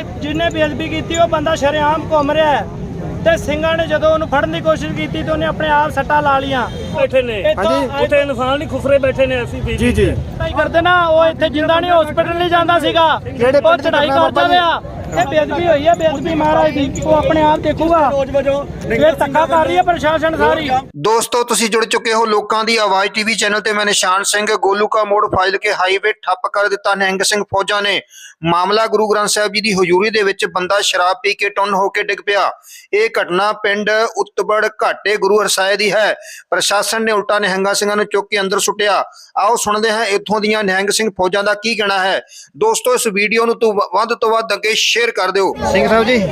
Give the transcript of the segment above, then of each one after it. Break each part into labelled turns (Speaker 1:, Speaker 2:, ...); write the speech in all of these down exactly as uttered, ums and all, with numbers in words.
Speaker 1: जिन्हें बेअदबी की वो बंदा शरेआम घूम रहा है ਤੇ ਸਿੰਘਾਂ ਨੇ ਜਦੋਂ ਉਹਨੂੰ ਫੜਨ ਦੀ ਕੋਸ਼ਿਸ਼ ਕੀਤੀ ਤੇ ਉਹਨੇ ਆਪਣੇ ਆਪ ਸੱਟਾਂ ਲਾ ਲੀਆਂ।
Speaker 2: ਬੈਠੇ ਨੇ ਹਾਂਜੀ ਉੱਥੇ ਇਨਸਾਨ ਨਹੀਂ ਖੁਫਰੇ ਬੈਠੇ ਨੇ ਅਸੀਂ ਵੀ
Speaker 3: ਜੀ ਜੀ
Speaker 1: ਨਹੀਂ ਕਰਦੇ ਨਾ। ਉਹ ਇੱਥੇ ਜਿੰਦਾ ਨਹੀਂ ਹਸਪੀਟਲ ਨਹੀਂ ਜਾਂਦਾ ਸੀਗਾ, ਉਹ ਚੜਾਈ ਕਰਦਾ ਰਿਹਾ। ਇਹ ਬੇਅਦਬੀ ਹੋਈ ਹੈ, ਬੇਅਦਬੀ ਮਹਾਰਾਜ ਦੀ, ਉਹ ਆਪਣੇ ਆਪ ਦੇਖੂਗਾ। ਇਹ ਧੱਕਾ ਕਰ ਰਹੀ ਹੈ ਪ੍ਰਸ਼ਾਸਨ ਸਾਰੀ।
Speaker 4: ਦੋਸਤੋ ਤੁਸੀਂ जुड़ चुके हो लोकां दी आवाज टीवी चैनल ते मैं निशान सिंह। गोलू का मोड़ फाइल के हाईवे ठप कर दिता निहंग सिंह फौजा ने। मामला गुरु ग्रंथ साहिब जी की हजूरी दे विच बंदा शराब पी के टुन होके डिग पिया। यह घटना पिंड उत्तबड़ घाटे गुरु हरसाए दी है। प्रशासन ने उल्टा निहंगा सिंह नूं चुक के अंदर सुटिया। आओ सुनते हैं इत्थों दीयां निहंग सिंह फौजा का की कहना है। दोस्तों इस वीडियो नूं तो वध तो वध अगे शेयर कर दिओ।
Speaker 3: ਸਿੰਘ ਸਾਹਿਬ ਜੀ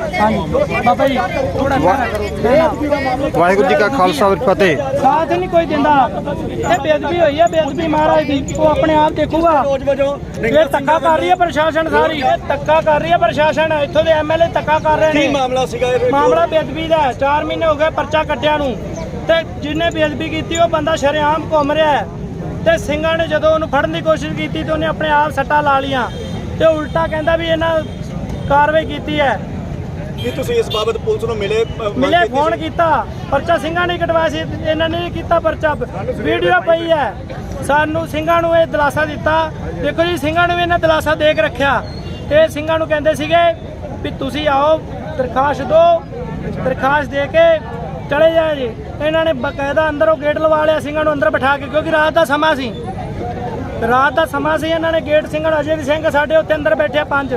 Speaker 3: ਵਾਹਿਗੁਰੂ ਜੀ ਕਾ ਖਾਲਸਾ ਫਤਿਹ।
Speaker 1: ਸਾਥ ਨਹੀਂ ਕੋਈ ਦਿੰਦਾ। ਇਹ ਬੇਅਦਬੀ ਹੋਈ ਹੈ, ਬੇਅਦਬੀ ਮਹਾਰਾਜ ਦੀ, ਉਹ ਆਪਣੇ ਆਪ ਦੇਖੂਗਾ। ਇਹ ਧੱਕਾ ਕਰ ਰਹੀ ਹੈ ਪ੍ਰਸ਼ਾਸਨ ਸਾਰੀ। ਇਹ ਧੱਕਾ ਕਰ ਰਹੀ ਹੈ ਪ੍ਰਸ਼ਾਸਨ। ਇੱਥੋਂ ਦੇ ਐਮਐਲਏ ਧੱਕਾ ਕਰ ਰਹੇ ਨੇ।
Speaker 2: ਕੀ ਮਾਮਲਾ ਸੀਗਾ ਇਹ?
Speaker 1: ਮਾਮਲਾ ਬੇਅਦਬੀ ਦਾ। ਚਾਰ ਮਹੀਨੇ ਹੋ ਗਏ ਪਰਚਾ ਕੱਟਿਆ ਨੂੰ ਤੇ ਜਿਹਨੇ ਬੇਅਦਬੀ ਕੀਤੀ ਉਹ ਬੰਦਾ ਸ਼ਰੇਆਮ ਘੁੰਮ ਰਿਹਾ ਹੈ ਤੇ ਸਿੰਘਾਂ ਨੇ ਜਦੋਂ ਉਹਨੂੰ ਫੜਨ ਦੀ ਕੋਸ਼ਿਸ਼ ਕੀਤੀ ਤੇ ਉਹਨੇ ਆਪਣੇ ਆਪ ਸੱਟਾਂ ਲਾ ਲੀਆਂ ਤੇ ਉਲਟਾ ਕਹਿੰਦਾ ਵੀ ਇਹਨਾਂ ਕਾਰਵਾਈ ਕੀਤੀ ਹੈ।
Speaker 2: ਕੀ ਤੁਸੀਂ ਇਸ ਬਾਬਤ ਪੁਲਿਸ ਨੂੰ ਮਿਲੇ
Speaker 1: ਮਿਲੇ ਫੋਨ ਕੀਤਾ, ਪਰਚਾ ਸਿੰਘਾਂ ਨੇ ਕਟਵਾਇਆ ਸੀ, ਇਹਨਾਂ ਨੇ ਕੀਤਾ ਪਰਚਾ। ਵੀਡੀਓ ਪਈ ਹੈ। ਸਾਨੂੰ ਸਿੰਘਾਂ ਨੂੰ ਇਹ ਦਿਲਾਸਾ ਦਿੱਤਾ। ਦੇਖੋ ਜੀ ਸਿੰਘਾਂ ਨੂੰ ਵੀ ਇਹਨਾਂ ਦਿਲਾਸਾ ਦੇ ਕੇ ਰੱਖਿਆ। ਇਹ ਸਿੰਘਾਂ ਨੂੰ ਕਹਿੰਦੇ ਸੀਗੇ ਵੀ ਤੁਸੀਂ ਆਓ ਦਰਖਾਸਤ ਦਿਓ, ਦਰਖਾਸਤ ਦੇ ਕੇ ਚਲੇ ਜਾਏ ਜੀ। ਇਹਨਾਂ ਨੇ ਬਕਾਇਦਾ ਅੰਦਰੋਂ ਗੇਟ ਲਵਾ ਲਿਆ ਸਿੰਘਾਂ ਨੂੰ ਅੰਦਰ ਬਿਠਾ ਕੇ, ਕਿਉਂਕਿ ਰਾਤ ਦਾ ਸਮਾਂ ਸੀ। ਰਾਤ ਦਾ ਸਮਾਂ ਸੀ। ਇਹਨਾਂ ਨੇ ਗੇਟ ਸਿੰਘਾਂ ਅਜੇ ਵੀ ਸਿੰਘ ਸਾਡੇ ਉੱਤੇ ਅੰਦਰ ਬੈਠੇ ਪੰਜ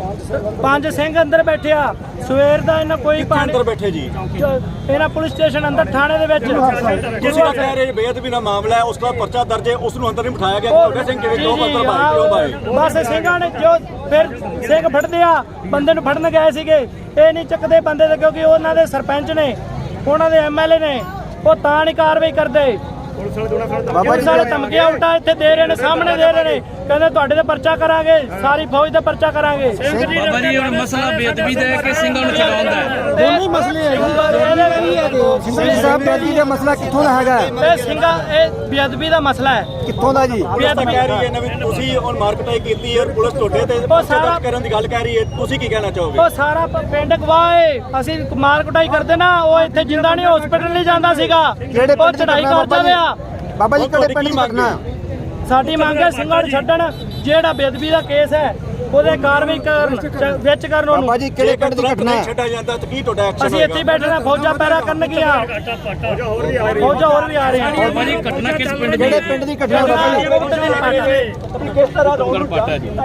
Speaker 1: ਪੰਜ ਸਿੰਘ ਅੰਦਰ ਬੈਠੇ ਆ। ਸਵੇਰ ਦਾ ਇਹਨਾਂ ਕੋਈ ਪਾਣੀ
Speaker 2: ਅੰਦਰ ਬੈਠੇ ਜੀ।
Speaker 1: ਇਹਨਾਂ ਪੁਲਿਸ ਸਟੇਸ਼ਨ ਅੰਦਰ ਥਾਣੇ ਦੇ ਵਿੱਚ
Speaker 2: ਤੁਸੀਂ ਕਹਿ ਰਹੇ ਬੇਅਦਬੀ ਦਾ ਮਾਮਲਾ ਹੈ, ਉਸ ਦਾ ਪਰਚਾ ਦਰਜ ਹੈ, ਉਸ ਨੂੰ ਅੰਦਰ ਨਹੀਂ ਬਿਠਾਇਆ ਗਿਆ। ਤੁਹਾਡੇ ਸਿੰਘ ਕਿਵੇਂ ਦੋ ਅੰਦਰ ਬਾਹਰ ਕਿਉਂ ਬਾਏ?
Speaker 1: ਬਸ ਸਿੰਘਾਂ ਨੇ ਜੋ ਫਿਰ ਸਿੰਘ ਫੜਦੇ ਆ, ਬੰਦੇ ਨੂੰ ਫੜਨ ਗਏ ਸੀਗੇ, ਇਹ ਨਹੀਂ ਚੱਕਦੇ ਬੰਦੇ ਤੇ, ਕਿਉਂਕਿ ਉਹਨਾਂ ਦੇ ਸਰਪੰਚ ਨੇ, ਉਹਨਾਂ ਦੇ ਐਮਐਲਏ ਨੇ, ਉਹ ਤਾਂ ਨਹੀਂ ਕਾਰਵਾਈ ਕਰਦੇ। ਬਾਬਾ ਜੀ ਸਾਰੇ ਧਮਕੀਆਂ ਉਲਟਾ ਇੱਥੇ ਦੇ ਰਹੇ ਨੇ, ਸਾਹਮਣੇ ਦੇ ਰਹੇ ਨੇ। ਕਹਿੰਦੇ ਤੁਹਾਡੇ ਤੇ ਪਰਚਾ ਕਰਾਂਗੇ, ਸਾਰੀ ਫੌਜ ਦਾ ਪਰਚਾ ਕਰਾਂਗੇ।
Speaker 5: ਬਾਬਾ ਜੀ ਹੁਣ ਮਸਲਾ ਬੇਅਦਬੀ ਦਾ ਹੈ ਕਿ ਸਿੰਘਾਂ ਨੂੰ ਚਲਾਉਣ ਦਾ ਹੈ?
Speaker 3: ਦੋਨੇ ਮਸਲੇ ਹੈ ਜੀ। ਸਿੰਘ ਸਾਹਿਬ ਬੇਅਦਬੀ ਦਾ ਮਸਲਾ ਕਿੱਥੋਂ ਦਾ ਹੈਗਾ?
Speaker 1: ਇਹ ਸਿੰਘਾਂ ਇਹ ਬੇਅਦਬੀ ਦਾ ਮਸਲਾ ਹੈ।
Speaker 3: ਕਿੱਥੋਂ ਦਾ ਜੀ?
Speaker 2: ਬੇਅਦਬੀ ਕਹਿ ਰਹੀ ਹੈ ਨਵੀਂ, ਤੁਸੀਂ ਹੁਣ ਮਾਰਕਟਾਈ ਕੀਤੀ ਔਰ ਪੁਲਿਸ ਤੁਹਾਡੇ ਤੇ ਪਰਚਾ ਦਰਜ ਕਰਨ ਦੀ ਗੱਲ ਕਹਿ ਰਹੀ ਹੈ, ਤੁਸੀਂ ਕੀ ਕਹਿਣਾ ਚਾਹੋਗੇ?
Speaker 1: ਉਹ ਸਾਰਾ ਪਿੰਡ ਗਵਾਹ ਏ। ਅਸੀਂ ਮਾਰ ਕੁਟਾਈ ਕਰਦੇ ਨਾ, ਉਹ ਇੱਥੇ ਜਿੰਦਾ ਨਹੀਂ ਹਸਪੀਟਲ ਨਹੀਂ ਜਾਂਦਾ ਸੀਗਾ, ਉਹ ਚੜਾਈ ਕਰਦਾ ਰਿਹਾ।
Speaker 3: ਬਾਬਾ ਜੀ ਕਿਹੜੇ ਪਿੰਡ ਦੀ ਘਟਨਾ?
Speaker 1: ਸਾਡੀ ਮੰਗ ਹੈ ਸਿੰਘਾਂ ਨੂੰ ਛੱਡਣ। ਜਿਹੜਾ ਬੇਅਦਬੀ ਦਾ ਕੇਸ ਹੈ ਉਹਦੇ ਕਾਰਵਾਈ ਕਰਨ, ਵਿੱਚ ਕਰਨ ਉਹਨੂੰ।
Speaker 3: ਬਾਬਾ ਜੀ ਕਿਹੜੇ ਪਿੰਡ ਦੀ ਘਟਨਾ ਹੈ?
Speaker 2: ਛੱਡਿਆ ਜਾਂਦਾ ਤਾਂ ਕੀ ਤੁਹਾਡਾ ਐਕਸ਼ਨ?
Speaker 1: ਅਸੀਂ ਇੱਥੇ ਬੈਠੇ ਨੇ, ਫੌਜਾਂ ਪੈਰਾ ਕਰਨ ਗਿਆ, ਫੌਜਾਂ ਹੋਰ ਵੀ ਆ ਰਹੇ ਹਨ।
Speaker 5: ਬਾਬਾ ਜੀ ਘਟਨਾ ਕਿਸ ਪਿੰਡ ਦੀ?
Speaker 3: ਕਿਹੜੇ ਪਿੰਡ ਦੀ ਘਟਨਾ ਬਾਬਾ ਜੀ?
Speaker 1: ਕਿਸ ਤਰ੍ਹਾਂ ਦਾ
Speaker 5: ਪਾਟਾ ਜੀ।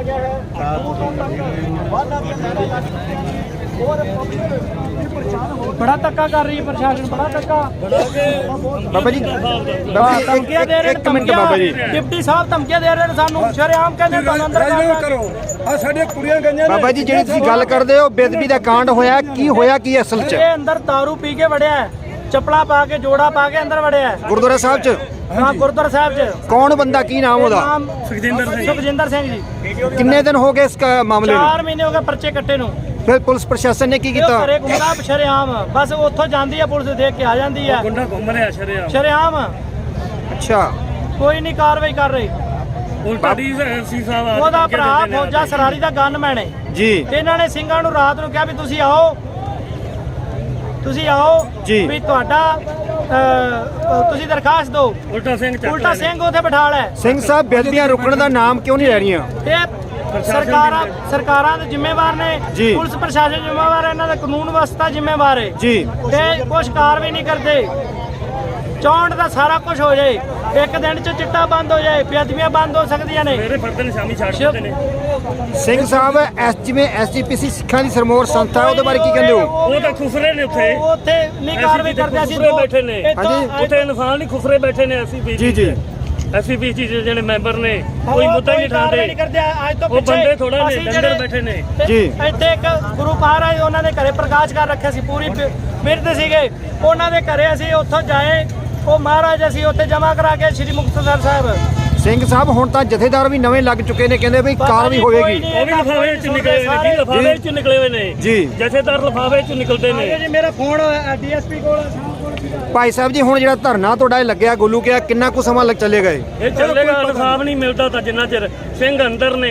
Speaker 1: ਬੜਾ ਧੱਕਾ ਕਰ ਰਹੀ ਹੈ ਪ੍ਰਸ਼ਾਸਨ, ਬੜਾ ਧੱਕਾ।
Speaker 3: ਬਾਬਾ ਜੀ
Speaker 1: ਧਮਕੀਆਂ ਦੇ ਰਹੇ ਨੇ।
Speaker 3: ਇੱਕ ਮਿੰਟ ਬਾਬਾ ਜੀ।
Speaker 1: ਡਿਪਟੀ ਸਾਹਿਬ ਧਮਕੀਆਂ ਦੇ ਰਹੇ ਨੇ ਸਾਨੂੰ, ਸ਼ਰੇਆਮ ਕਹਿੰਦੇ ਤੁਹਾਨੂੰ ਅੰਦਰ ਕਰੋ।
Speaker 2: ਆ ਸਾਡੇ ਕੁੜੀਆਂ ਗਈਆਂ
Speaker 3: ਬਾਬਾ ਜੀ ਜਿਹੜੀ ਤੁਸੀਂ ਗੱਲ ਕਰਦੇ ਹੋ ਬੇਅਦਬੀ ਦਾ ਕਾਂਡ ਹੋਇਆ, ਕੀ ਹੋਇਆ ਕੀ ਅਸਲ 'ਚ?
Speaker 1: ਇਹ ਅੰਦਰ ਦਾਰੂ ਪੀ ਕੇ ਵੜਿਆ ਹੈ, ਚੱਪਲਾਂ ਪਾ ਕੇ, ਜੋੜਾ ਪਾ ਕੇ ਅੰਦਰ ਵੜਿਆ ਹੈ
Speaker 3: ਗੁਰਦੁਆਰਾ ਸਾਹਿਬ 'ਚ।
Speaker 1: ਹਾਂ ਗੁਰਦੁਆਰਾ ਸਾਹਿਬ 'ਚ।
Speaker 3: ਕੌਣ ਬੰਦਾ, ਕੀ ਨਾਮ ਉਹਦਾ?
Speaker 1: ਨਾਮ
Speaker 5: ਸੁਖਜਿੰਦਰ ਸਿੰਘ।
Speaker 1: ਸੁਖਜਿੰਦਰ ਸਿੰਘ ਜੀ।
Speaker 3: ਕਿੰਨੇ ਦਿਨ ਹੋ ਗਏ ਇਸ ਕ- ਮਾਮਲੇ ਨੂੰ?
Speaker 1: ਚਾਰ ਮਹੀਨੇ ਹੋ ਗਏ ਪਰਚੇ ਕੱਟੇ ਨੂੰ।
Speaker 3: ਫਿਰ ਪੁਲਿਸ ਪ੍ਰਸ਼ਾਸਨ ਨੇ ਕੀ
Speaker 1: ਇਹ
Speaker 3: ਕੀਤਾ?
Speaker 1: ਘਰੇ ਘੁੰਮਦਾ ਸ਼ਰੇਆਮ, ਬਸ ਉੱਥੋਂ ਜਾਂਦੀ ਹੈ ਪੁਲਿਸ, ਦੇਖ ਕੇ ਆ ਜਾਂਦੀ ਹੈ
Speaker 5: ਗੁੰਡਾ ਘੁੰਮ ਰਿਹਾ ਸ਼ਰਿਆ।
Speaker 1: ਸ਼ਰੇਆਮ।
Speaker 3: ਅੱਛਾ
Speaker 1: ਕੋਈ ਨਹੀਂ ਕਾਰਵਾਈ ਕਰ ਰਹੀ।
Speaker 5: ਉਲਟਾ ਡੀ ਸੀ ਸਾਹਿਬ ਆ
Speaker 1: ਉਹਦਾ ਭਰਾ ਫੌਜਾ ਸਰਾਰੀ ਦਾ ਗਨਮੈਨ ਹੈ
Speaker 3: ਜੀ।
Speaker 1: ਇਹਨਾਂ ਨੇ ਸਿੰਘਾਂ ਨੂੰ ਰਾਤ ਨੂੰ ਕਿਹਾ ਵੀ ਤੁਸੀਂ ਆਓ, ਤੁਸੀਂ ਆਓ
Speaker 3: ਜੀ।
Speaker 1: ਵੀ ਤੁਹਾਡਾ ਅਹ, ਤੁਸੀਂ ਦਰਖਾਸਤ ਦਿਓ।
Speaker 5: ਉਲਟਾ ਸਿੰਘ ਚੱਕ
Speaker 1: ਉਲਟਾ ਸਿੰਘ ਉੱਥੇ ਬਿਠਾ ਲੈ।
Speaker 3: ਸਿੰਘ ਸਾਹਿਬ ਬੇਅਦਬੀਆਂ ਰੋਕਣ ਦਾ ਨਾਮ ਕਿਉਂ ਨਹੀਂ ਲੈ ਰਹੀਆਂ?
Speaker 1: ਇਹ ਸਰਕਾਰਾਂ ਸਰਕਾਰਾਂ ਦੇ ਜ਼ਿੰਮੇਵਾਰ ਨੇ,
Speaker 3: ਜੀ।
Speaker 1: ਪੁਲਿਸ ਪ੍ਰਸ਼ਾਸਨ ਜ਼ਿੰਮੇਵਾਰ ਹੈ, ਇਹਨਾਂ ਦਾ ਕਾਨੂੰਨ ਵਿਵਸਥਾ ਜ਼ਿੰਮੇਵਾਰ ਹੈ
Speaker 3: ਜੀ।
Speaker 1: ਤੇ ਕੁਛ ਕਾਰਵਾਈ ਨਹੀਂ ਕਰਦੇ। ਚੌਂਡ ਦਾ ਸਾਰਾ ਕੁਝ ਹੋ ਜਾਏ, ਇੱਕ ਦਿਨ ਚ ਚਿੱਟਾ ਬੰਦ ਹੋ ਜਾਏ, ਬੇਅਦਬੀਆਂ ਬੰਦ ਹੋ ਸਕਦੀਆਂ ਨੇ।
Speaker 5: ਮੇਰੇ ਫਰਦ ਨੇ ਸ਼ਾਮੀ ਛੱਡ ਦਿੰਦੇ ਨੇ।
Speaker 3: ਸਿੰਘ ਸਾਹਿਬ ਐਸ ਜਿਵੇਂ ਐਸਜੀਪੀਸੀ ਸਿੱਖਾਂ ਦੀ ਸਰਮੋਰ ਸੰਸਥਾ, ਉਹਦੇ ਬਾਰੇ ਕੀ ਕਹਿੰਦੇ ਹੋ?
Speaker 5: ਉਹ ਤਾਂ ਖੁਫਰੇ ਨੇ ਉੱਥੇ।
Speaker 1: ਉਹ ਉੱਥੇ ਨਹੀਂ ਕਾਰਵਾਈ ਕਰਦੇ। ਅਸੀਂ
Speaker 5: ਖੁਫਰੇ ਬੈਠੇ ਨੇ।
Speaker 3: ਹਾਂਜੀ।
Speaker 5: ਉੱਥੇ ਇਨਸਾਨ ਨਹੀਂ ਖੁਫਰੇ ਬੈਠੇ ਨੇ। ਅਸੀਂ ਵੀ
Speaker 3: ਜੀ ਜੀ
Speaker 5: ਅਸੀਂ ਵੀ ਜੀ ਜਿਹੜੇ ਮੈਂਬਰ ਨੇ ਕੋਈ ਮੁੱਦਾ ਨਹੀਂ
Speaker 1: ਕਾਰਵਾਈ
Speaker 5: ਠਾਂਦੇ।
Speaker 1: ਕਰਦੇ। ਅੱਜ ਤੋਂ
Speaker 5: ਉਹ
Speaker 1: ਪਿੱਛੇ
Speaker 5: ਬੰਦੇ ਥੋੜਾ ਨੇ,
Speaker 1: ਅਸੀਂ
Speaker 5: ਡੰਗਰ
Speaker 1: ਜਿਹੜੇ-
Speaker 5: ਬੈਠੇ ਨੇ।
Speaker 3: ਜੀ।
Speaker 1: ਇੱਥੇ ਇੱਕ ਗੁਰੂ ਮਹਾਰਾਜ ਉਹਨਾਂ ਦੇ ਘਰੇ ਪ੍ਰਕਾਸ਼ ਕਰ ਰੱਖਿਆ ਸੀ, ਪੂਰੀ ਬਿਰਧ ਸੀਗੇ ਉਹਨਾਂ ਦੇ ਘਰੇ। ਅਸੀਂ ਉੱਥੋਂ ਜਾਏ, ਉਹ ਮਹਾਰਾਜ ਅਸੀਂ ਉੱਥੇ ਜਮ੍ਹਾਂ ਕਰਾ ਕੇ ਸ੍ਰੀ ਮੁਕਤਸਰ ਸਾਹਿਬ।
Speaker 3: ਸਿੰਘ ਸਾਹਿਬ ਹੁਣ ਤਾਂ ਜਥੇਦਾਰ ਵੀ ਨਵੇਂ ਲੱਗ ਚੁੱਕੇ ਨੇ, ਕਹਿੰਦੇ ਵੀ ਕਾਰਵਾਈ ਹੋਵੇਗੀ।
Speaker 5: ਉਹ ਵੀ ਲਿਫਾਵੇ ਵਿੱਚ ਨਿਕਲੇ ਹੋਏ ਨੇ ਜੀ, ਲਿਫਾਵੇ ਵਿੱਚ ਨਿਕਲੇ ਹੋਏ ਨੇ
Speaker 3: ਜੀ।
Speaker 5: ਜਥੇਦਾਰ ਲਿਫਾਵੇ ਵਿੱਚ ਨਿਕਲਦੇ ਨੇ
Speaker 1: ਜੀ। ਮੇਰਾ ਫੋਨ ਡੀਐਸਪੀ ਕੋਲ।
Speaker 3: ਭਾਈ ਸਾਹਿਬ ਜੀ ਹੁਣ ਜਿਹੜਾ ਧਰਨਾ ਤੁਹਾਡਾ ਇਹ ਲੱਗਿਆ ਗੋਲੂ ਕਿਹਾ, ਕਿੰਨਾ ਕੁ ਸਮਾਂ ਲੱਗ ਚੱਲੇਗਾ ਇਹ?
Speaker 5: ਇਹ ਚੱਲੇਗਾ। ਇਨਸਾਫ ਨਹੀਂ ਮਿਲਦਾ ਤਾਂ ਜਿੰਨਾ ਚਿਰ ਸਿੰਘ ਅੰਦਰ ਨੇ,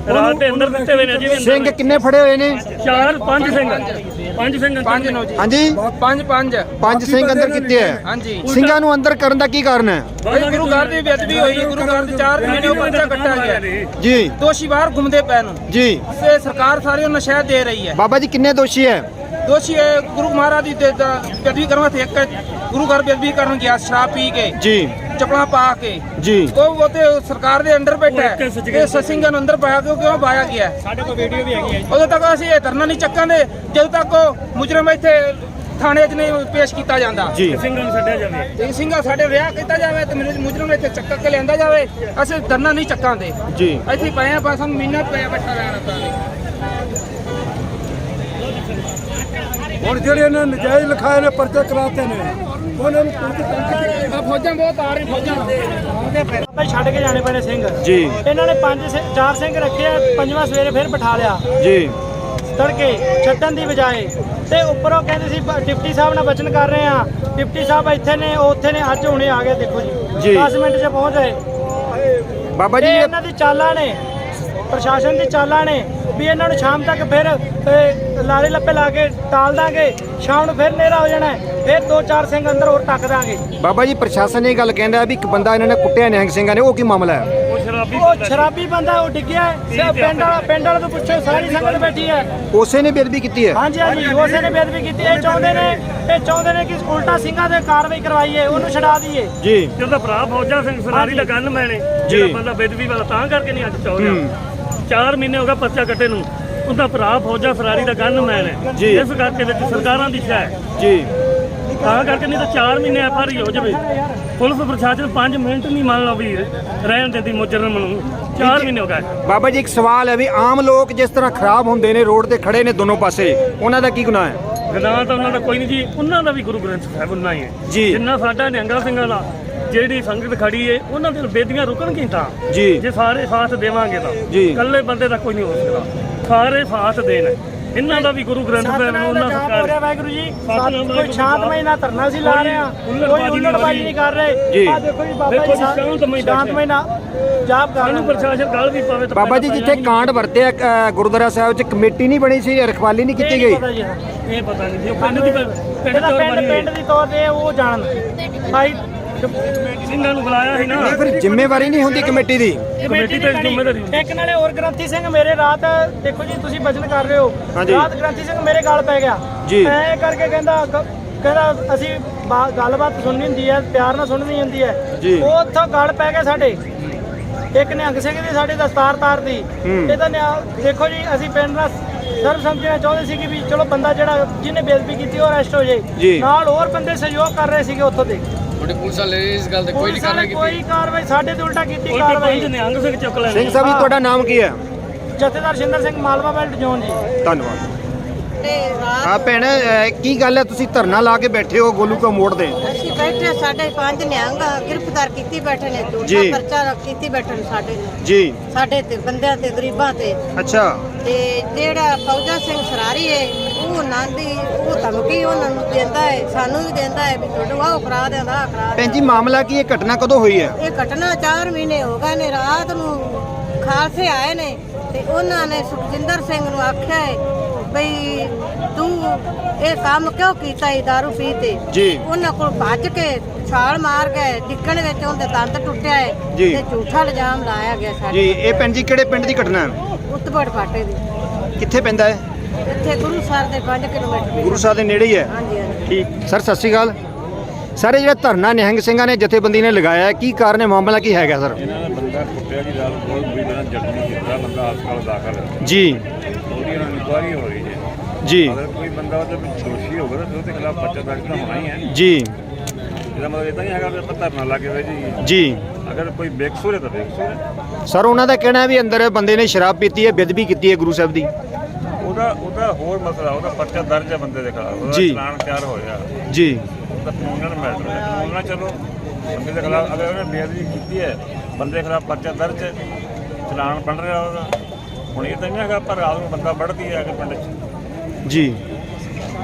Speaker 5: ਰਾਤ ਦੇ ਅੰਦਰ ਦਿੱਤੇ ਹੋਏ ਨੇ ਜੀ
Speaker 3: ਸਿੰਘ ਕਿੰਨੇ ਫੜੇ ਹੋਏ ਨੇ?
Speaker 5: ਚਾਰ ਪੰਜ ਸਿੰਘ ਪੰਜ ਸਿੰਘ ਪੰਜ ਨੋ ਜੀ
Speaker 3: ਹਾਂਜੀ
Speaker 6: ਪੰਜ ਪੰਜ
Speaker 3: ਪੰਜ ਸਿੰਘ ਅੰਦਰ ਕੀਤੇ ਹੈ।
Speaker 6: ਹਾਂਜੀ
Speaker 3: ਸਿੰਘਾਂ ਨੂੰ ਅੰਦਰ ਕਰਨ ਦਾ ਕੀ ਕਾਰਨ ਹੈ?
Speaker 6: ਭਾਈ ਗੁਰੂ ਘਰ ਦੀ ਬੇਅਦਬੀ ਹੋਈ ਗੁਰੂ ਘਰ ਦੇ ਚਾਰ ਮਹੀਨੇ ਉਹ ਬੱਚਾ ਕੱਟਿਆ ਗਿਆ
Speaker 3: ਜੀ
Speaker 6: ਦੋਸ਼ੀ ਬਾਹਰ ਘੁੰਮਦੇ ਪਏ ਨੂੰ
Speaker 3: ਜੀ
Speaker 6: ਤੇ ਸਰਕਾਰ ਸਾਰਿਆਂ ਨੂੰ ਨਸ਼ਾ ਦੇ ਰਹੀ ਹੈ
Speaker 3: ਬਾਬਾ ਜੀ ਕਿੰਨੇ ਦੋਸ਼ੀ ਹੈ?
Speaker 6: ਦੋਸ਼ੀ ਹੈ ਗੁਰੂ ਮਹਾਰਾਜ ਦੀ ਤੇ- ਦਾ ਬੇਅਦਬੀ ਕਰਨ ਵਾਸਤੇ ਇੱਕ ਗੁਰੂ ਘਰ ਬੇਅਦਬੀ ਕਰਨ ਗਿਆ ਸ਼ਰਾਬ ਪੀ ਕੇ
Speaker 3: ਜੀ
Speaker 6: ਚੱਪਲਾਂ ਪਾ ਕੇ
Speaker 3: ਜੀ
Speaker 6: ਉਹ ਉਹ ਤੇ ਸਰਕਾਰ ਦੇ ਅੰਡਰ ਬੈਠਾ ਹੈ ਤੇ ਸਸਿੰਗਾਂ ਨੂੰ ਅੰਦਰ ਪਾਇਆ ਕਿਉਂ ਕਿਉਂ ਪਾਇਆ ਗਿਆ ਸਾਡੇ ਕੋਲ ਵੀਡੀਓ ਵੀ ਹੈਗੀ ਹੈ ਉਦੋਂ ਤੱਕ ਅਸੀਂ ਇਹ ਧਰਨਾ ਨਹੀਂ ਚੱਕਾਂਗੇ ਜਦੋਂ ਤੱਕ ਉਹ ਮੁਜਰਮ ਇੱਥੇ ਥਾਣੇ 'ਚ ਨਹੀਂ ਪੇਸ਼ ਕੀਤਾ ਜਾਂਦਾ
Speaker 3: ਜੀ
Speaker 5: ਸਿੰਘਾਂ ਨੂੰ ਛੱਡਿਆ ਜਾਵੇ
Speaker 6: ਤੇ ਸਿੰਘਾਂ ਸਾਡੇ ਰਿਆ ਕੀਤਾ ਜਾਵੇ ਤੇ ਮੈਨੂੰ ਮੁਜਰਮ ਇੱਥੇ ਚੱਕ ਕੇ ਲਿਆਂਦਾ ਜਾਵੇ ਅਸੀਂ ਧਰਨਾ ਨਹੀਂ ਚੱਕਾਂਗੇ
Speaker 3: ਜੀ
Speaker 6: ਇੱਥੇ ਪਏ ਆ ਬਸ ਸਾਨੂੰ ਮਹੀਨਾ ਪਿਆ ਬੈਠਾ ਰਹਿਣਾ ਤਾਂ
Speaker 7: ਹੁਣ ਜਿਹੜੇ ਇਹਨਾਂ ਨਜਾਇਜ਼ ਲਿਖਾਏ ਨੇ ਪਰਚੇ ਕਰਾਤੇ ਨੇ ਉਹਨਾਂ ਨੂੰ
Speaker 6: ਆ ਫੌਜਾਂ ਬਹੁਤ ਆ ਰਹੀ ਫੌਜਾਂ
Speaker 1: ਭਾਈ ਛੱਡ ਕੇ ਜਾਣੇ ਪੈਣੇ ਸਿੰਘ
Speaker 3: ਜੀ
Speaker 1: ਇਹਨਾਂ ਨੇ ਪੰਜ ਸਿ- ਚਾਰ ਸਿੰਘ ਰੱਖੇ ਆ ਪੰਜਵਾਂ ਸਵੇਰੇ ਫਿਰ ਬਿਠਾ ਲਿਆ
Speaker 3: ਜੀ
Speaker 1: ਤੜਕੇ ਛੱਡਣ ਦੀ ਬਜਾਏ ਤੇ ਉੱਪਰੋਂ ਕਹਿੰਦੇ ਸੀ ਬ- ਡਿਪਟੀ ਸਾਹਿਬ ਨਾਲ ਬਚਨ ਕਰ ਰਹੇ ਆ ਡਿਪਟੀ ਸਾਹਿਬ ਇੱਥੇ ਨੇ ਉਹ ਉੱਥੇ ਨੇ ਅੱਜ ਹੁਣੇ ਆ ਗਏ ਦੇਖੋ ਜੀ
Speaker 3: ਜੀ।
Speaker 1: ਦਸ ਮਿੰਟ 'ਚ ਪਹੁੰਚ ਗਏ
Speaker 3: ਬਾਬਾ ਜੀ
Speaker 1: ਇਹ
Speaker 3: ਇਹ-
Speaker 1: ਇਹਨਾਂ ਦੀ ਚਾਲਾਂ ਨੇ ਪ੍ਰਸ਼ਾਸਨ ਦੀ ਚਾਲਾਂ ਨੇ ਵੀ ਇਹਨਾਂ ਨੂੰ ਸ਼ਾਮ ਤੱਕ ਫਿਰ ਅਹ, ਲਾਰੇ ਲੱਪੇ ਲਾ ਕੇ ਟਾਲ ਦਾਂਗੇ ਸ਼ਾਮ ਨੂੰ ਫਿਰ ਹਨੇਰਾ ਹੋ ਜਾਣਾ ਹੈ, ਫਿਰ ਦੋ ਚਾਰ ਸਿੰਘ ਅੰਦਰ ਹੋਰ ਟੱਕ ਦਾਂਗੇ
Speaker 3: ਬਾਬਾ ਜੀ ਪ੍ਰਸ਼ਾਸਨ ਇਹ ਗੱਲ ਕਹਿੰਦਾ ਵੀ ਇੱਕ ਬੰਦਾ ਇਹਨਾਂ ਨੇ ਕੁੱਟਿਆ ਨਿਹੰਗ ਸਿੰਘਾਂ ਨੇ ਉਹ ਕੀ ਮਾਮਲਾ ਹੈ?
Speaker 5: ਉਹ ਸ਼ਰਾਬੀ
Speaker 1: ਉਹ ਸ਼ਰਾਬੀ ਬੰਦਾ ਉਹ ਡਿੱਗਿਆ ਹੈ। ਸ- ਪਿੰਡ ਵਾਲਾ ਪਿੰਡ ਵਾਲੇ ਤੋਂ ਪੁੱਛੋ ਸਾਰੀ ਸੰਗਤ ਬੈਠੀ ਹੈ
Speaker 3: ਉਸੇ ਨੇ ਬੇਅਦਬੀ ਕੀਤੀ ਹੈ?
Speaker 1: ਹਾਂਜੀ ਹਾਂਜੀ ਉਸੇ ਨੇ ਬੇਅਦਬੀ ਕੀਤੀ ਇਹ ਚਾਹੁੰਦੇ ਨੇ ਇਹ ਚਾਹੁੰਦੇ ਨੇ ਕਿ ਉਲਟਾ ਸਿੰਘਾਂ ਤੇ ਕਾਰਵਾਈ ਕਰਵਾਈਏ ਉਹਨੂੰ ਛਡਾ ਦਈਏ
Speaker 3: ਜੀ
Speaker 5: ਜਿਹਦਾ ਭਰਾ ਫੌਜਾ ਸਿੰਘ ਸਲਾਰੀ ਦਾ ਗੰਨ ਮੈਨੇ
Speaker 3: ਜੀ।
Speaker 5: ਜਿਹੜਾ ਬੰਦਾ ਬੇਦਬੀ ਵਾਲਾ ਤਾਂ ਕਰਕੇ ਨਹੀਂ ਅੱਜ ਚੌ ਰਿਹਾ ਚਾਰ ਮਹੀਨੇ ਹੋ ਗਏ ਪਰਚਾ ਕੱਟੇ ਨੂੰ ਉਹਦਾ ਭਰਾ ਫੌਜਾ ਸਲਾਰੀ ਦਾ ਗੰਨ ਮੈਨ ਹੈ
Speaker 3: ਜੀ।
Speaker 5: ਇਸ ਕਰਕੇ ਵਿੱਚ ਸਰਕਾਰਾਂ ਦੀ ਸ਼ਾਇ ਹੈ
Speaker 3: ਜੀ
Speaker 5: ਤਾਂ ਕਰਕੇ ਨਹੀਂ ਤਾਂ ਚਾਰ ਮਹੀਨੇ ਐਫ ਆਰ ਹੋ ਜਾਵੇ ਪੁਲਿਸ ਪ੍ਰਸ਼ਾਸਨ ਪੰਜ ਮਿੰਟ ਨਹੀਂ ਮੰਨ ਲਓ ਵੀ ਰਹਿਣ ਦਿੰਦੀ ਮੁਜਰਮ ਨੂੰ ਚਾਰ ਮਹੀਨੇ ਹੋ ਗਏ
Speaker 3: ਬਾਬਾ ਜੀ ਇੱਕ ਸਵਾਲ ਹੈ ਵੀ ਆਮ ਲੋਕ ਜਿਸ ਤਰ੍ਹਾਂ ਖਰਾਬ ਹੁੰਦੇ ਨੇ ਰੋਡ ਤੇ ਖੜੇ ਨੇ ਦੋਨੋਂ ਪਾਸੇ ਉਹਨਾਂ ਦਾ ਕੀ ਗੁਨਾਹ ਹੈ?
Speaker 5: ਗੁਨਾਹ ਤਾਂ ਉਹਨਾਂ ਦਾ ਕੋਈ ਨਹੀਂ ਜੀ ਉਹਨਾਂ ਦਾ ਵੀ ਗੁਰੂ ਗ੍ਰੰਥ ਸਾਹਿਬ ਉਨਾ ਹੀ ਹੈ
Speaker 3: ਜੀ।
Speaker 5: ਜਿੰਨਾ ਸਾਡਾ ਨਿਹੰਗਾ ਸਿੰਘਾਂ ਦਾ ਜਿਹੜੀ ਸੰਗਤ ਖੜੀ ਏ ਉਹਨਾਂ ਦੇ ਬੇਦੀਆਂ ਰੁਕਣਗੀਆਂ ਤਾਂ
Speaker 3: ਜੀ।
Speaker 5: ਜੇ ਸਾਰੇ ਸਾਥ ਦੇਵਾਂਗੇ ਤਾਂ
Speaker 3: ਜੀ।
Speaker 5: ਇਕੱਲੇ ਬੰਦੇ ਦਾ ਕੋਈ ਨਹੀਂ ਹੋ ਸਕਦਾ ਸਾਰੇ ਸਾਥ ਦੇਣ ਇਹਨਾਂ ਦਾ ਵੀ ਗੁਰੂ ਗ੍ਰੰਥ ਸਾਹਿਬ ਨੂੰ
Speaker 1: ਸਤਨਾਮ ਦਾ
Speaker 5: ਉਹਨਾਂ
Speaker 1: ਜਾਪ ਹੋ ਰਿਹਾ
Speaker 5: ਸਰਕਾਰ
Speaker 1: ਵਾਹਿਗੁਰੂ ਜੀ
Speaker 5: ਸਤਿਨਾਮ
Speaker 1: ਕੋਈ ਸ਼ਾਂਤਮਈ ਨਾਲ ਧਰਨਾ ਸੀ ਲਾ ਰਹੇ ਆ ਕੋਈ ਉਲੜਬਾਜ਼ੀ ਨਹੀਂ ਕਰ ਰਹੇ
Speaker 3: ਜੀ।
Speaker 1: ਆ ਦੇਖੋ ਜੀ ਬਾਬਾ
Speaker 5: ਦੇਖੋ
Speaker 1: ਜੀ
Speaker 5: ਜੀ, ਸ਼ਾਂਤਮਈ ਬੈਠੇ।
Speaker 1: ਸ਼ਾਂਤਮਈ ਨਾਲ ਜਾਪ ਕਰ
Speaker 5: ਸਾਨੂੰ
Speaker 1: ਰਹੇ
Speaker 5: ਪ੍ਰਸ਼ਾਸਨ ਗੱਲ ਵੀ ਪਾਵੇ ਤਾਂ
Speaker 3: ਬਾਬਾ ਜੀ ਜਿੱਥੇ ਕਾਂਡ ਵਰਤਿਆ ਅ, ਗੁਰਦੁਆਰਾ ਸਾਹਿਬ 'ਚ ਕਮੇਟੀ ਨਹੀਂ ਬਣੀ ਸੀ ਰਖਵਾਲੀ ਨਹੀਂ ਕੀਤੀ ਗਈ?
Speaker 1: ਪਤਾ ਜੀ ਹਾਂ।
Speaker 5: ਇਹ ਪਤਾ ਨਹੀਂ ਜੀ ਉਹ ਪਿੰਡ ਦੀ ਪਿੰਡ
Speaker 1: ਇਹਦਾ
Speaker 5: ਤੋਂ
Speaker 1: ਪਿੰਡ
Speaker 5: ਬਣੀ
Speaker 1: ਪਿੰਡ ਦੀ ਤੌਰ ਤੇ ਉਹ ਜਾਣ ਭਾਈ
Speaker 5: ਸਿੰਘਾਂ ਨੂੰ ਬੁਲਾਇਆ ਸੀ ਨਾ
Speaker 3: ਇਹ ਫਿਰ ਜ਼ਿੰਮੇਵਾਰੀ ਨਹੀਂ ਹੁੰਦੀ ਕਮੇਟੀ ਦੀ?
Speaker 5: ਕਮੇਟੀ ਤੇ ਜ਼ਿੰਮੇਵਾਰੀ
Speaker 1: ਇੱਕ ਨਾਲੇ ਹੋਰ ਗ੍ਰੰਥੀ ਸਿੰਘ ਮੇਰੇ ਰਾਤ ਦੇਖੋ ਜੀ ਤੁਸੀਂ ਬਚਨ ਕਰ ਰਹੇ ਹੋ
Speaker 3: ਹਾਂਜੀ।
Speaker 1: ਰਾਤ ਗ੍ਰੰਥੀ ਸਿੰਘ ਮੇਰੇ ਗਾਲ ਪੈ ਗਿਆ
Speaker 3: ਜੀ।
Speaker 1: ਐ ਕਰਕੇ ਕਹਿੰਦਾ ਕ- ਕਹਿੰਦਾ ਅਸੀਂ ਬਾ- ਗੱਲਬਾਤ ਸੁਣਨੀ ਹੁੰਦੀ ਹੈ ਪਿਆਰ ਨਾਲ ਸੁਣਨੀ ਹੁੰਦੀ ਹੈ
Speaker 3: ਜੀ।
Speaker 1: ਉਹ ਉੱਥੋਂ ਗਾਲ ਪੈ ਗਿਆ ਸਾਡੇ ਇੱਕ ਨਿਹੰਗ ਸਿੰਘ ਦੀ ਸਾਡੀ ਦਸਤਾਰ ਤਾਰਦੀ
Speaker 3: ਹੂੰ।
Speaker 1: ਇਹ ਤਾਂ ਨਿਆ- ਦੇਖੋ ਜੀ ਅਸੀਂ ਪਿੰਡ ਦਾ ਸਰਬ ਸਮਝਣਾ ਚਾਹੁੰਦੇ ਸੀ ਕਿ ਵੀ ਚਲੋ ਬੰਦਾ ਜਿਹੜਾ ਜਿਹਨੇ ਬੇਇੱਜ਼ਤੀ ਕੀਤੀ ਉਹ ਅਰੈਸਟ ਹੋ
Speaker 3: ਜੀ।
Speaker 1: ਜਾਏ ਨਾਲ ਹੋਰ ਬੰਦੇ ਸਹਿਯੋਗ ਕਰ ਰਹੇ ਸੀਗੇ ਉੱਥੋਂ ਦੇ
Speaker 6: ਤੁਹਾਡੇ ਪੁਲਿਸ ਵਾਲੇ ਇਸ ਗੱਲ ਤੇ
Speaker 1: ਪੁਲਿਸ ਨੇ ਕੋਈ ਕਾਰਵਾਈ ਸਾਡੇ ਤੇ ਉਲਟਾ ਕੀਤੀ
Speaker 5: ਉਲਟਾ
Speaker 1: ਕਾਰਵਾਈ
Speaker 5: ਪੰਜ ਨਿਹੰਗ ਸਿੰਘ ਚੁੱਕ ਲੈਣੇ
Speaker 3: ਸਿੰਘ ਸਾਹਿਬ ਜੀ ਤੁਹਾਡਾ ਨਾਮ ਕੀ ਹੈ?
Speaker 1: ਜਥੇਦਾਰ ਸ਼ਿੰਦਰ ਸਿੰਘ ਮਾਲਵਾ ਬੈਲਟ ਜ਼ੋਨ ਜੀ
Speaker 3: ਧੰਨਵਾਦ। ਹਾਂ ਭੈਣ ਅ, ਕੀ ਗੱਲ ਹੈ ਤੁਸੀਂ ਧਰਨਾ ਲਾ ਕੇ ਬੈਠੇ ਹੋ ਗੋਲੂ ਕਾ ਮੋੜ ਤੇ?
Speaker 8: ਅਸੀਂ ਬੈਠੇ ਸਾਡੇ ਪੰਜ ਨਿਹੰਗ ਗ੍ਰਿਫਤਾਰ ਕੀਤੀ ਬੈਠੇ ਨੇ
Speaker 3: ਜੀ।
Speaker 8: ਝੂਠਾ ਪਰਚਾ ਕੀਤੀ ਬੈਠੇ ਨੇ ਸਾਡੇ ਨੂੰ
Speaker 3: ਜੀ
Speaker 8: ਸਾਡੇ ਤੇ ਬੰਦਿਆਂ ਤੇ ਗਰੀਬਾਂ ਤੇ
Speaker 3: ਅੱਛਾ
Speaker 8: ਤੇ ਜਿਹੜਾ ਫੌਜਾ ਸਿੰਘ ਸਰਾਰੀ ਹੈ ਉਹ ਨਾਂਦੀ ਉਹ ਧਮਕੀ ਉਹਨਾਂ ਨੂੰ ਦਿੰਦਾ ਹੈ ਸਾਨੂੰ ਵੀ ਦਿੰਦਾ ਹੈ ਵੀ ਤੁਹਾਨੂੰ ਆਹ ਕਰਾ ਦਿੰਦਾ ਆਹ ਕਰਾ
Speaker 3: ਭੈਣ ਜੀ
Speaker 8: ਦਿੰਦਾ।
Speaker 3: ਮਾਮਲਾ ਕੀ ਹੈ ਘਟਨਾ ਕਦੋਂ ਹੋਈ ਹੈ?
Speaker 8: ਇਹ ਘਟਨਾ ਚਾਰ ਮਹੀਨੇ ਹੋ ਗਏ ਨੇ ਰਾਤ ਨੂੰ ਖਾਲਸੇ ਆਏ ਨੇ ਤੇ ਉਹਨਾਂ ਨੇ ਸੁਖਜਿੰਦਰ ਸਿੰਘ ਨੂੰ ਆਖਿਆ ਹੈ ਬਈ ਤੂੰ ਇਹ ਕੰਮ ਕਿਉਂ ਕੀਤਾ ਇਹ ਦਾਰੂ ਪੀ ਤੇ
Speaker 3: ਜੀ।
Speaker 8: ਉਹਨਾਂ ਕੋਲ ਭੱਜ ਕੇ ਛਾਲ ਮਾਰ ਗਏ ਡਿੱਗਣ ਵਿੱਚ ਉਹਦੇ ਦੰਦ ਟੁੱਟਿਆ ਹੈ
Speaker 3: ਜੀ।
Speaker 8: ਤੇ ਝੂਠਾ ਇਲਜ਼ਾਮ ਲਾਇਆ ਗਿਆ
Speaker 3: ਜੀ
Speaker 8: ਸਾਡੇ
Speaker 3: ਇਹ ਭੈਣ ਜੀ ਕਿਹੜੇ ਪਿੰਡ ਦੀ ਘਟਨਾ ਹੈ?
Speaker 8: ਉਤਬੜ ਪਾਟੇ ਦੀ
Speaker 3: ਕਿੱਥੇ ਪੈਂਦਾ ਹੈ?
Speaker 8: ਇੱਥੇ ਗੁਰੂ ਸਾਹਿਬ ਦੇ ਪੰਜ ਕਿਲੋਮੀਟਰ
Speaker 3: ਗੁਰੂ ਸਾਹਿਬ ਦੇ ਨੇੜੇ ਹੀ ਹੈ।
Speaker 8: ਹਾਂਜੀ ਹਾਂਜੀ
Speaker 3: ਠੀਕ ਸਰ ਸਤਿ ਸ਼੍ਰੀ ਅਕਾਲ ਸਰ ਇਹ ਜਿਹੜਾ ਧਰਨਾ ਨਿਹੰਗ ਸਿੰਘਾਂ ਨੇ ਜਥੇਬੰਦੀ ਨੇ ਲਗਾਇਆ ਹੈ, ਕੀ ਕਾਰਨ ਹੈ ਮਾਮਲਾ ਕੀ ਹੈਗਾ ਸਰ?
Speaker 9: ਇਹਨਾਂ ਨੇ ਬੰਦਾ ਕੁੱਟਿਆ ਜੀ ਰਾਤ ਕੋਲ ਵੀ ਇਹਨਾਂ ਜ਼ਖਮੀ ਕੀਤਾ ਬੰਦਾ ਹਸਪਤਾਲ ਦਾਖਲ ਹੈ
Speaker 3: ਜੀ
Speaker 9: ਉਹਦੀ ਇਹਨਾਂ ਨੂੰ ਇਨਕੁਆਇਰੀ ਹੋ ਰਹੀ ਹੈ
Speaker 3: ਜੀ
Speaker 9: ਅਗਰ ਕੋਈ ਬੰਦਾ ਉਹਦੇ ਵਿੱਚ ਦੋਸ਼ੀ ਹੋਵੇ ਤਾਂ ਉਹਦੇ ਖਿਲਾਫ ਪਰਚਾ ਦਰਜ ਤਾਂ ਹੋਣਾ ਹੀ ਹੈ
Speaker 3: ਜੀ
Speaker 9: ਇਹਦਾ ਮਤਲਬ ਇਦਾਂ ਨਹੀਂ ਹੈਗਾ ਵੀ ਆਪਾਂ ਧਰਨਾ ਲਾ ਕੇ ਬਹਿ ਜਾਈਏ
Speaker 3: ਜੀ
Speaker 9: ਅਗਰ ਕੋਈ ਬੇਕਸੂਰ ਹੈ ਤਾਂ ਬੇਕਸੂਰ ਹੈ
Speaker 3: ਸਰ ਉਹਨਾਂ ਦਾ ਕਹਿਣਾ ਹੈ ਵੀ ਅੰਦਰ ਬੰਦੇ ਨੇ ਸ਼ਰਾਬ ਪੀਤੀ ਹੈ ਬੇਅਦਬੀ ਕੀਤੀ ਹੈ ਗੁਰੂ ਸਾਹਿਬ ਦੀ।
Speaker 9: ਉਹਦਾ ਉਹਦਾ ਹੋਰ ਮਸਲਾ ਉਹਦਾ ਪਰਚਾ ਦਰਜ ਹੈ ਬੰਦੇ ਦੇ ਖਿਲਾਫ ਉਹਦਾ
Speaker 3: ਜੀ।
Speaker 9: ਚਲਾਨ ਤਿਆਰ ਹੋਇਆ
Speaker 3: ਜੀ
Speaker 9: ਉਹਦਾ ਕਾਨੂੰਨ ਮੈਟਰ ਹੈ ਕਾਨੂੰਨ ਨਾਲ ਚਲੋ ਬੰਦੇ ਦੇ ਖਿਲਾਫ ਅਗਰ ਉਹਨੇ ਬੇਅਦਬੀ ਕੀਤੀ ਹੈ ਬੰਦੇ ਦੇ ਖਿਲਾਫ ਪਰਚਾ ਦਰਜ ਹੈ ਚਲਾਨ ਬਣ ਰਿਹਾ ਉਹਦਾ ਹੁਣ ਇਹ ਤਾਂ ਨਹੀਂ ਹੈਗਾ ਪਰ ਰਾਤ ਨੂੰ ਬੰਦਾ ਵੜਦੀ ਹੈ ਅਗਰ ਪਿੰਡ 'ਚ
Speaker 3: ਜੀ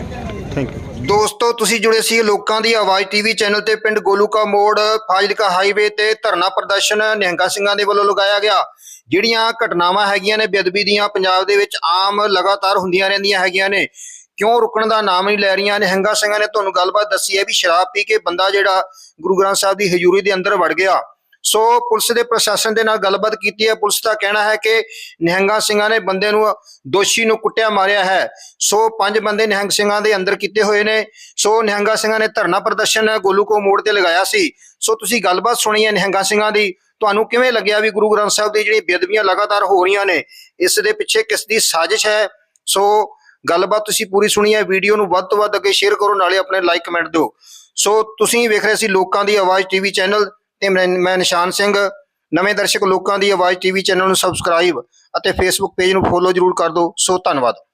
Speaker 3: ਥੈਂਕ ਯੂ।
Speaker 4: ਦੋਸਤੋ ਤੁਸੀਂ ਜੁੜੇ ਸੀ ਲੋਕਾਂ ਦੀ ਆਵਾਜ਼ ਟੀਵੀ ਚੈਨਲ ਤੇ ਪਿੰਡ ਗੋਲੂਕਾ ਮੋੜ ਫਾਜ਼ਿਲਕਾ ਹਾਈਵੇ ਤੇ ਧਰਨਾ ਪ੍ਰਦਰਸ਼ਨ ਨਿਹੰਗਾ ਸਿੰਘਾਂ ਦੇ ਵੱਲੋਂ ਲਗਾਇਆ ਗਿਆ। ਜਿਹੜੀਆਂ ਘਟਨਾਵਾਂ ਹੈਗੀਆਂ ਨੇ ਬੇਅਦਬੀ ਦੀਆਂ ਪੰਜਾਬ ਦੇ ਵਿੱਚ ਆਮ ਲਗਾਤਾਰ ਹੁੰਦੀਆਂ ਰਹਿੰਦੀਆਂ ਹੈਗੀਆਂ ਨੇ, ਕਿਉਂ ਰੁਕਣ ਦਾ ਨਾਮ ਨਹੀਂ ਲੈ ਰਹੀਆਂ। ਨਿਹੰਗਾ ਸਿੰਘਾਂ ਨੇ ਤੁਹਾਨੂੰ ਗੱਲਬਾਤ ਦੱਸੀ ਹੈ ਵੀ ਸ਼ਰਾਬ ਪੀ ਕੇ ਬੰਦਾ ਜਿਹੜਾ ਗੁਰੂ ਗ੍ਰੰਥ ਸਾਹਿਬ ਦੀ ਹਜ਼ੂਰੀ ਦੇ ਅੰਦਰ ਵੜ ਗਿਆ। ਸੋ ਪੁਲਿਸ ਦੇ ਪ੍ਰਸ਼ਾਸਨ ਦੇ ਨਾਲ ਗੱਲਬਾਤ ਕੀਤੀ ਹੈ। ਪੁਲਿਸ ਦਾ ਕਹਿਣਾ ਹੈ ਕਿ ਨਿਹੰਗਾ ਸਿੰਘਾਂ ਨੇ ਬੰਦੇ ਨੂੰ ਦੋਸ਼ੀ ਨੂੰ ਕੁੱਟਿਆ ਮਾਰਿਆ ਹੈ। ਸੋ ਪੰਜ ਬੰਦੇ ਨਿਹੰਗ ਸਿੰਘਾਂ ਦੇ ਅੰਦਰ ਕੀਤੇ ਹੋਏ ਨੇ। ਸੋ ਨਿਹੰਗਾ ਸਿੰਘਾਂ ਨੇ ਧਰਨਾ ਪ੍ਰਦਰਸ਼ਨ ਗੋਲੂਕਾ ਮੋੜ ਤੇ ਲਗਾਇਆ ਸੀ। ਸੋ ਤੁਸੀਂ ਗੱਲਬਾਤ ਸੁਣੀ ਹੈ ਨਿਹੰਗਾ ਸਿੰਘਾਂ ਦੀ। ਤੁਹਾਨੂੰ ਕਿਵੇਂ ਲੱਗਿਆ ਵੀ ਗੁਰੂ ਗ੍ਰੰਥ ਸਾਹਿਬ ਦੀ ਜਿਹੜੀ ਬੇਅਦਬੀਆਂ ਲਗਾਤਾਰ ਹੋ ਰਹੀਆਂ ਨੇ, ਇਸ ਦੇ ਪਿੱਛੇ ਕਿਸ ਦੀ ਸਾਜ਼ਿਸ਼ ਹੈ? ਸੋ ਗੱਲਬਾਤ ਤੁਸੀਂ ਪੂਰੀ ਸੁਣੀ ਹੈ। ਵੀਡੀਓ ਨੂੰ ਵੱਧ ਤੋਂ ਵੱਧ ਅੱਗੇ ਸ਼ੇਅਰ ਕਰੋ, ਨਾਲੇ ਆਪਣੇ ਲਾਈਕ ਕਮੈਂਟ ਦਿਓ। ਸੋ ਤੁਸੀਂ ਵੇਖ ਰਹੇ ਸੀ ਲੋਕਾਂ ਦੀ ਆਵਾਜ਼ ਟੀਵੀ ਚੈਨਲ ਤੇ ਮੈਂ ਮੈਂ ਨਿਸ਼ਾਨ ਸਿੰਘ। ਨਵੇਂ ਦਰਸ਼ਕ ਲੋਕਾਂ ਦੀ ਆਵਾਜ਼ ਟੀਵੀ ਚੈਨਲ ਨੂੰ ਸਬਸਕ੍ਰਾਈਬ ਅਤੇ ਫੇਸਬੁੱਕ ਪੇਜ ਨੂੰ ਫੋਲੋ ਜ਼ਰੂਰ ਕਰ ਦਿਓ। ਸੋ ਧੰਨਵਾਦ।